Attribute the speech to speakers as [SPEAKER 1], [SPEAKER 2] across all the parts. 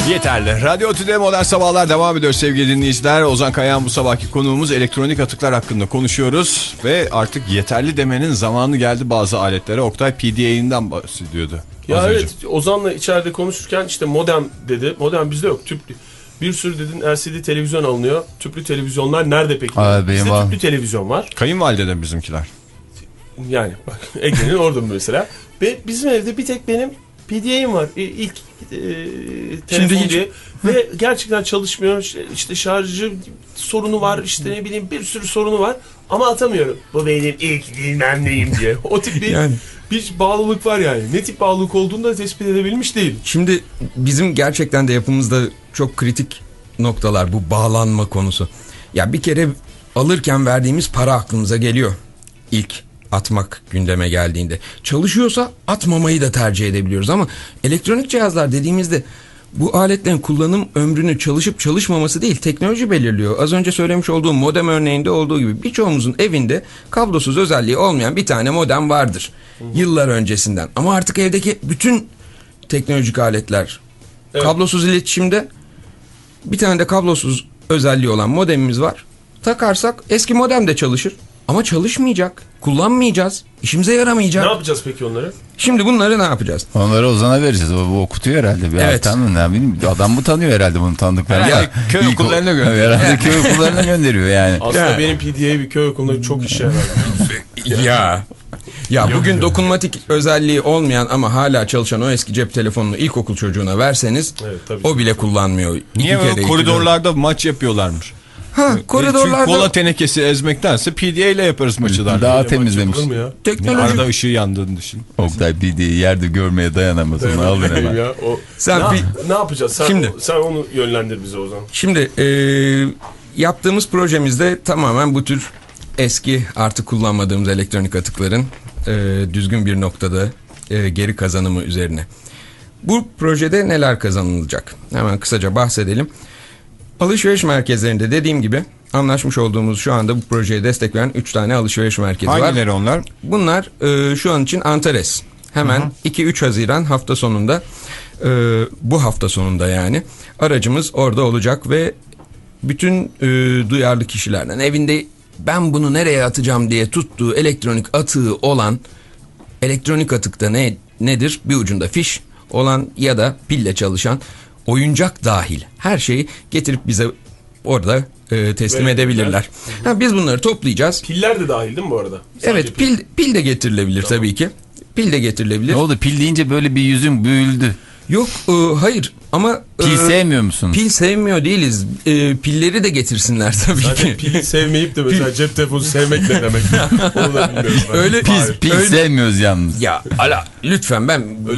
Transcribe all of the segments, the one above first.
[SPEAKER 1] Yeterli. Radyo Tüde Modern Sabahlar devam ediyor sevgili dinleyiciler. Ozan Kayağan bu sabahki konuğumuz, elektronik atıklar hakkında konuşuyoruz. Ve artık yeterli demenin zamanı geldi bazı aletlere. Oktay PDA'ından bahsediyordu.
[SPEAKER 2] Ya evet, Ozan'la içeride konuşurken işte modem dedi. Modem bizde yok, tüplü. Bir sürü dedin LCD televizyon alınıyor. Tüplü televizyonlar nerede peki? Bizde tüplü televizyon var.
[SPEAKER 1] Kayınvalideden bizimkiler.
[SPEAKER 2] Yani bak Ege'nin orada mesela. Ve bizim evde bir tek benim PDA'im var. İlk telefon diye. Ve gerçekten çalışmıyor. İşte şarjı sorunu var. İşte ne bileyim bir sürü sorunu var. Ama atamıyorum. Bu benim ilk bilmem neyim diye. O tip bir, yani, bir bağlılık var yani. Ne tip bağlılık olduğunu da tespit edebilmiş değil.
[SPEAKER 3] Şimdi bizim gerçekten de yapımızda çok kritik noktalar bu bağlanma konusu. Ya bir kere alırken verdiğimiz para aklımıza geliyor. İlk atmak gündeme geldiğinde. Çalışıyorsa atmamayı da tercih edebiliyoruz ama elektronik cihazlar dediğimizde bu aletlerin kullanım ömrünü çalışıp çalışmaması değil, teknoloji belirliyor. Az önce söylemiş olduğum modem örneğinde olduğu gibi birçoğumuzun evinde kablosuz özelliği olmayan bir tane modem vardır. Yıllar öncesinden. Ama artık evdeki bütün teknolojik aletler kablosuz iletişimde. Bir tane de kablosuz özelliği olan modemimiz var. Takarsak eski modem de çalışır. Ama çalışmayacak. Kullanmayacağız. İşimize yaramayacak.
[SPEAKER 2] Ne yapacağız peki onları?
[SPEAKER 3] Şimdi bunları ne yapacağız?
[SPEAKER 4] Onları Ozan'a vereceğiz. O okutuyor herhalde. Bir
[SPEAKER 3] evet.
[SPEAKER 4] Adam mı tanıyor herhalde bunu tanıdıklarını?
[SPEAKER 1] Ya, köy okullarına gönderiyor.
[SPEAKER 4] Herhalde köy okullarına gönderiyor yani.
[SPEAKER 2] Aslında benim PDA'yı bir köy okulunda çok işe yarar.
[SPEAKER 3] Ya bugün dokunmatik özelliği olmayan ama hala çalışan o eski cep telefonunu ilkokul çocuğuna verseniz o bile kullanmıyor.
[SPEAKER 1] Niye böyle koridorlarda maç yapıyorlarmış?
[SPEAKER 3] Koridorlarda...
[SPEAKER 1] Çünkü kola tenekesi ezmektense PDA ile yaparız maçı.
[SPEAKER 4] Daha temizlemiş.
[SPEAKER 3] Teknoloji...
[SPEAKER 1] Arada ışığı yandığını düşün.
[SPEAKER 4] Oktay PDA'yı yerde görmeye dayanamaz. Onu aldın hemen.
[SPEAKER 2] Ya, ne yapacağız? Sen onu yönlendir bize Ozan.
[SPEAKER 3] Şimdi yaptığımız projemizde tamamen bu tür eski artık kullanmadığımız elektronik atıkların düzgün bir noktada geri kazanımı üzerine. Bu projede neler kazanılacak? Hemen kısaca bahsedelim. Alışveriş merkezlerinde dediğim gibi anlaşmış olduğumuz şu anda bu projeye destek veren 3 tane alışveriş merkezi var.
[SPEAKER 1] Hangileri onlar?
[SPEAKER 3] Bunlar şu an için Antares. Hemen 2-3 Haziran hafta sonunda bu hafta sonunda yani aracımız orada olacak ve bütün duyarlı kişilerden evinde ben bunu nereye atacağım diye tuttuğu elektronik atığı olan, elektronik atıkta nedir? Bir ucunda fiş olan ya da pille çalışan, oyuncak dahil her şeyi getirip bize orada teslim edebilirler. Biz bunları toplayacağız.
[SPEAKER 2] Piller de dahil değil mi bu arada?
[SPEAKER 3] Sadece evet pil de getirilebilir tabii ki. Pil de getirilebilir.
[SPEAKER 4] Ne oldu? Pil deyince böyle bir yüzüm büyüldü.
[SPEAKER 3] Yok hayır ama...
[SPEAKER 4] Pil sevmiyor musunuz?
[SPEAKER 3] Pil sevmiyor değiliz. Pilleri de getirsinler tabii ki.
[SPEAKER 2] Zaten pili sevmeyip de mesela cep telefonu sevmek ne demek? Onu da bilmiyorum.
[SPEAKER 3] Öyle
[SPEAKER 4] pil sevmiyoruz yalnız.
[SPEAKER 3] Ya lütfen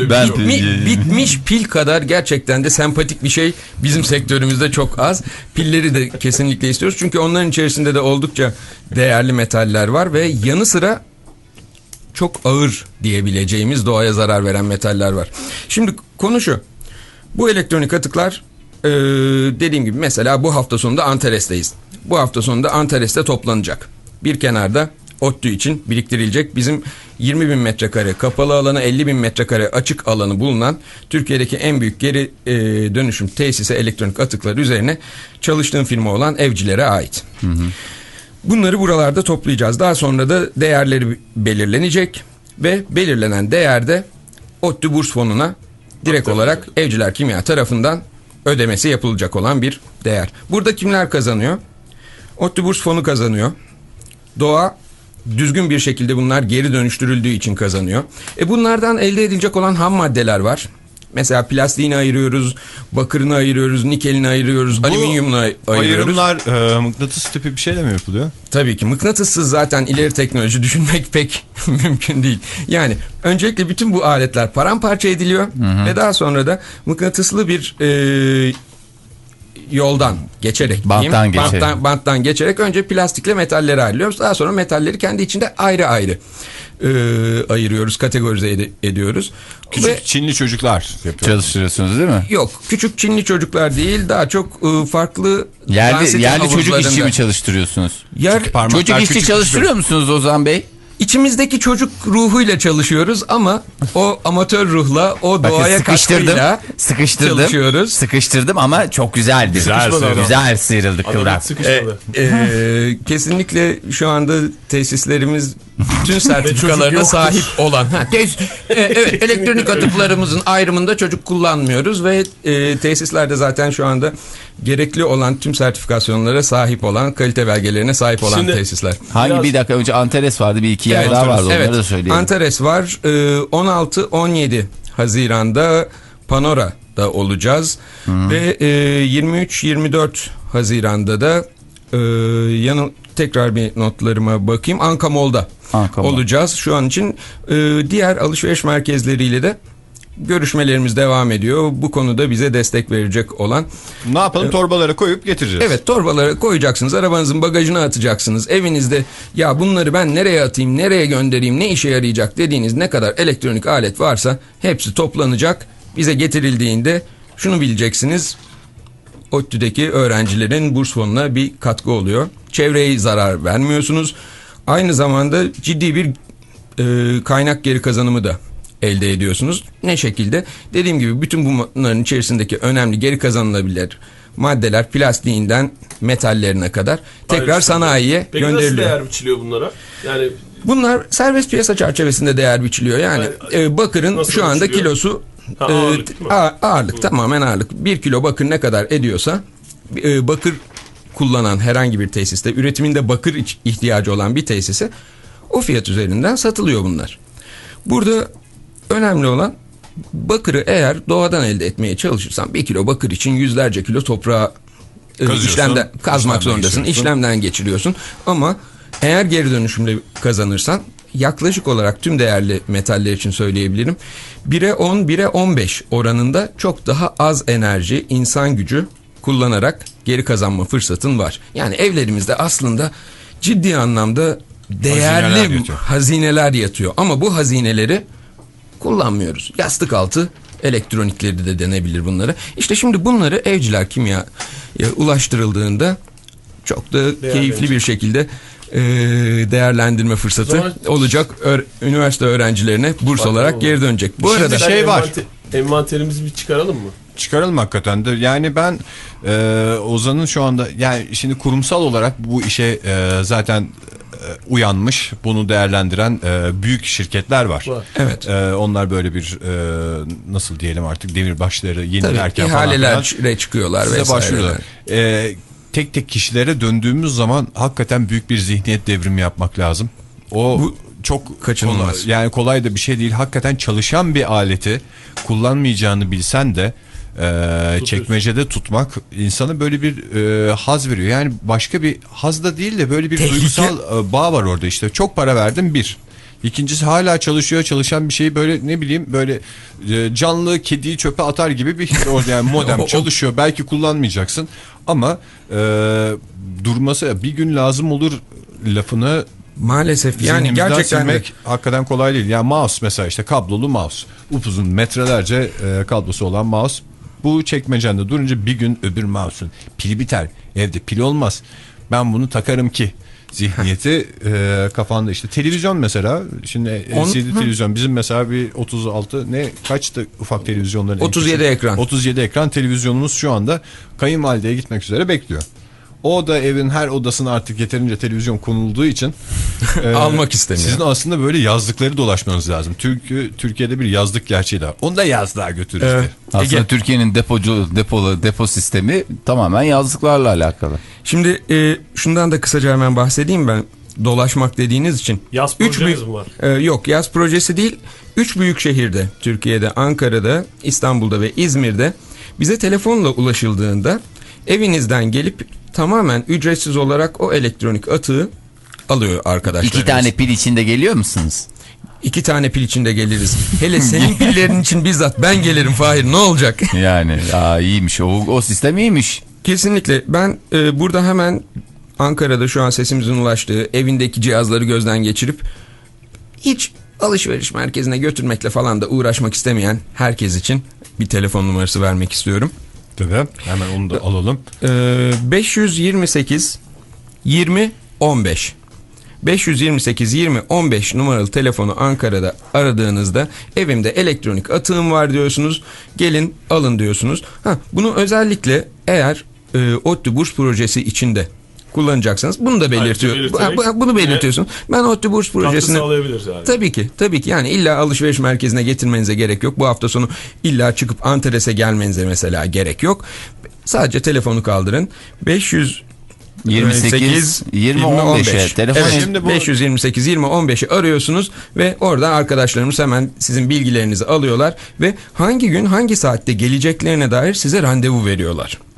[SPEAKER 3] bitmiş pil kadar gerçekten de sempatik bir şey bizim sektörümüzde çok az. Pilleri de kesinlikle istiyoruz. Çünkü onların içerisinde de oldukça değerli metaller var ve yanı sıra çok ağır diyebileceğimiz doğaya zarar veren metaller var. Şimdi konu şu. Bu elektronik atıklar dediğim gibi mesela bu hafta sonunda Antares'teyiz. Bu hafta sonunda Antares'te toplanacak. Bir kenarda ODTÜ için biriktirilecek bizim 20.000 metrekare kapalı alanı, 50.000 metrekare açık alanı bulunan Türkiye'deki en büyük geri dönüşüm tesisi elektronik atıklar üzerine çalıştığım firma olan Evcilere ait. Bunları buralarda toplayacağız. Daha sonra da değerleri belirlenecek ve belirlenen değerde ODTÜ Burs Fonu'na direkt olarak Evciler Kimya tarafından ödemesi yapılacak olan bir değer. Burada kimler kazanıyor? ODTÜ Burs Fonu kazanıyor. Doğa düzgün bir şekilde bunlar geri dönüştürüldüğü için kazanıyor. Bunlardan elde edilecek olan ham maddeler var. Mesela plastiğini ayırıyoruz, bakırını ayırıyoruz, nikelini ayırıyoruz, alüminyumunu ayırıyoruz.
[SPEAKER 1] Ayrımlar mıknatıs tipi bir şeyle mi yapılıyor?
[SPEAKER 3] Tabii ki mıknatıssız zaten ileri teknoloji düşünmek pek mümkün değil. Yani öncelikle bütün bu aletler paramparça ediliyor ve daha sonra da mıknatıslı bir yoldan geçerek banttan geçerek önce plastikle metalleri ayrılıyoruz. Daha sonra metalleri kendi içinde ayrı ayrı ayırıyoruz, kategorize ediyoruz.
[SPEAKER 1] Küçük Çinli çocuklar
[SPEAKER 4] çalıştırıyorsunuz değil mi?
[SPEAKER 3] Yok, küçük Çinli çocuklar değil, daha çok farklı
[SPEAKER 4] yerli çocuk işçi mi çalıştırıyorsunuz?
[SPEAKER 3] Çocuk
[SPEAKER 4] işçi çalıştırıyor musunuz Ozan Bey?
[SPEAKER 3] İçimizdeki çocuk ruhuyla çalışıyoruz ama o amatör ruhla, o doğaya katkıyla çalışıyoruz.
[SPEAKER 4] Sıkıştırdım ama çok güzeldi. Güzel sıyrıldı kıvrak.
[SPEAKER 2] Sıkışmadı.
[SPEAKER 3] Kesinlikle şu anda tesislerimiz bütün sertifikalarına sahip olan. Evet, elektronik atıklarımızın ayrımında çocuk kullanmıyoruz ve tesislerde zaten şu anda gerekli olan tüm sertifikasyonlara sahip olan, kalite belgelerine sahip olan tesisler.
[SPEAKER 4] Bir dakika önce Antares vardı, bir iki yer daha vardı, onları da söyleyelim.
[SPEAKER 3] Antares var. 16-17 Haziran'da Panora'da olacağız. Ve 23-24 Haziran'da da tekrar bir notlarıma bakayım. Anka Mall'da olacağız. Şu an için diğer alışveriş merkezleriyle de görüşmelerimiz devam ediyor. Bu konuda bize destek verecek olan.
[SPEAKER 1] Ne yapalım? Torbalara koyup getireceğiz.
[SPEAKER 3] Evet, torbalara koyacaksınız. Arabanızın bagajına atacaksınız. Evinizde ya bunları ben nereye atayım, nereye göndereyim, ne işe yarayacak dediğiniz ne kadar elektronik alet varsa hepsi toplanacak. Bize getirildiğinde şunu bileceksiniz. ODTÜ'deki öğrencilerin burs fonuna bir katkı oluyor. Çevreye zarar vermiyorsunuz. Aynı zamanda ciddi bir kaynak geri kazanımı da elde ediyorsunuz. Ne şekilde? Dediğim gibi bütün bunların içerisindeki önemli geri kazanılabilir maddeler, plastiğinden metallerine kadar tekrar sanayiye gönderiliyor.
[SPEAKER 2] Peki nasıl değer biçiliyor bunlara? Yani
[SPEAKER 3] bunlar serbest piyasa çerçevesinde değer biçiliyor. Yani bakırın şu anda biçiliyor? Kilosu ağırlık, tamamen ağırlık. 1 kilo bakır ne kadar ediyorsa bakır kullanan herhangi bir tesiste, üretiminde bakır ihtiyacı olan bir tesise o fiyat üzerinden satılıyor bunlar. Burada önemli olan bakırı eğer doğadan elde etmeye çalışırsan 1 kilo bakır için yüzlerce kilo toprağa kazmak zorundasın. İşlemden geçiriyorsun. Ama eğer geri dönüşümle kazanırsan yaklaşık olarak tüm değerli metaller için söyleyebilirim. 1'e 10, 1'e 15 oranında çok daha az enerji, insan gücü kullanarak geri kazanma fırsatın var. Yani evlerimizde aslında ciddi anlamda değerli hazineler yatıyor. Ama bu hazineleri kullanmıyoruz. Yastık altı elektronikleri de denebilir bunları. İşte şimdi bunları evciler kimya ulaştırıldığında çok da keyifli bir şekilde değerlendirme fırsatı olacak. Üniversite öğrencilerine burs olarak geri dönecek. Bu arada
[SPEAKER 1] var.
[SPEAKER 2] Envanterimizi bir çıkaralım mı?
[SPEAKER 1] Çıkaralım hakikaten de. Yani ben Ozan'ın şu anda, yani şimdi kurumsal olarak bu işe zaten uyanmış, bunu değerlendiren büyük şirketler var.
[SPEAKER 3] Evet.
[SPEAKER 1] Onlar böyle bir nasıl diyelim artık demirbaşları yenilerken falan
[SPEAKER 3] ihalelere çıkıyorlar vesaire.
[SPEAKER 1] Tek tek kişilere döndüğümüz zaman hakikaten büyük bir zihniyet devrimi yapmak lazım. Bu çok
[SPEAKER 3] kaçınılmaz.
[SPEAKER 1] Yani kolay da bir şey değil. Hakikaten çalışan bir aleti kullanmayacağını bilsen de çekmecede tutmak insana böyle bir haz veriyor. Yani başka bir haz da değil de böyle bir duygusal bağ var orada işte. Çok para verdim bir. İkincisi hala çalışan bir şeyi böyle ne bileyim böyle canlı kediyi çöpe atar gibi bir yani modem çalışıyor. Belki kullanmayacaksın ama durması bir gün lazım olur lafını
[SPEAKER 3] maalesef yani gerçekten de
[SPEAKER 1] hakikaten kolay değil. Yani mouse mesela, işte kablolu mouse. Upuzun metrelerce kablosu olan mouse. Bu çekmecende durunca bir gün öbür mouse'un pili biter. Evde pil olmaz. Ben bunu takarım ki zihniyeti kafanda işte. Televizyon mesela, şimdi LCD televizyon bizim mesela bir 36 kaçtı ufak televizyonların
[SPEAKER 3] 37 ekran.
[SPEAKER 1] 37 ekran televizyonumuz şu anda kayınvalideye gitmek üzere bekliyor. O da evin her odasına artık yeterince televizyon konulduğu için
[SPEAKER 3] almak istemiyor.
[SPEAKER 1] Sizin aslında böyle yazlıkları dolaşmanız lazım. Türkiye'de bir yazlık gerçeği de var. Onu da yazlığa götür işte.
[SPEAKER 4] Evet. Aslında Türkiye'nin depo sistemi tamamen yazlıklarla alakalı.
[SPEAKER 3] Şimdi şundan da kısaca hemen bahsedeyim ben. Dolaşmak dediğiniz için.
[SPEAKER 2] Yaz projemiz mi var?
[SPEAKER 3] Yok, yaz projesi değil. 3 büyük şehirde, Türkiye'de, Ankara'da, İstanbul'da ve İzmir'de bize telefonla ulaşıldığında evinizden gelip tamamen ücretsiz olarak o elektronik atığı alıyor arkadaşlar.
[SPEAKER 4] 2 tane pil içinde geliyor musunuz?
[SPEAKER 3] 2 tane pil içinde geliriz. Hele senin pillerin için bizzat ben gelirim Fahir, ne olacak?
[SPEAKER 4] Yani iyiymiş o sistem iyiymiş.
[SPEAKER 3] Kesinlikle. Ben burada hemen Ankara'da şu an sesimizin ulaştığı evindeki cihazları gözden geçirip hiç alışveriş merkezine götürmekle falan da uğraşmak istemeyen herkes için bir telefon numarası vermek istiyorum.
[SPEAKER 1] Tabii. Hemen onu da alalım.
[SPEAKER 3] 528 20 15 528 20 15 numaralı telefonu Ankara'da aradığınızda evimde elektronik atığım var diyorsunuz. Gelin alın diyorsunuz. Bunu özellikle eğer ODTÜ burs projesi içinde kullanacaksanız bunu da belirtiyor. Bunu belirtiyorsun. Ben ODTÜ burs projesini
[SPEAKER 2] sağlayabiliriz yani.
[SPEAKER 3] Tabii ki yani illa alışveriş merkezine getirmenize gerek yok. Bu hafta sonu illa çıkıp Antares'e gelmenize mesela gerek yok. Sadece telefonu kaldırın.
[SPEAKER 4] 28 20 15'e telefon.
[SPEAKER 3] Evet,
[SPEAKER 1] Şimdi bu
[SPEAKER 3] 528 20 15'i arıyorsunuz ve orada arkadaşlarımız hemen sizin bilgilerinizi alıyorlar ve hangi gün hangi saatte geleceklerine dair size randevu veriyorlar.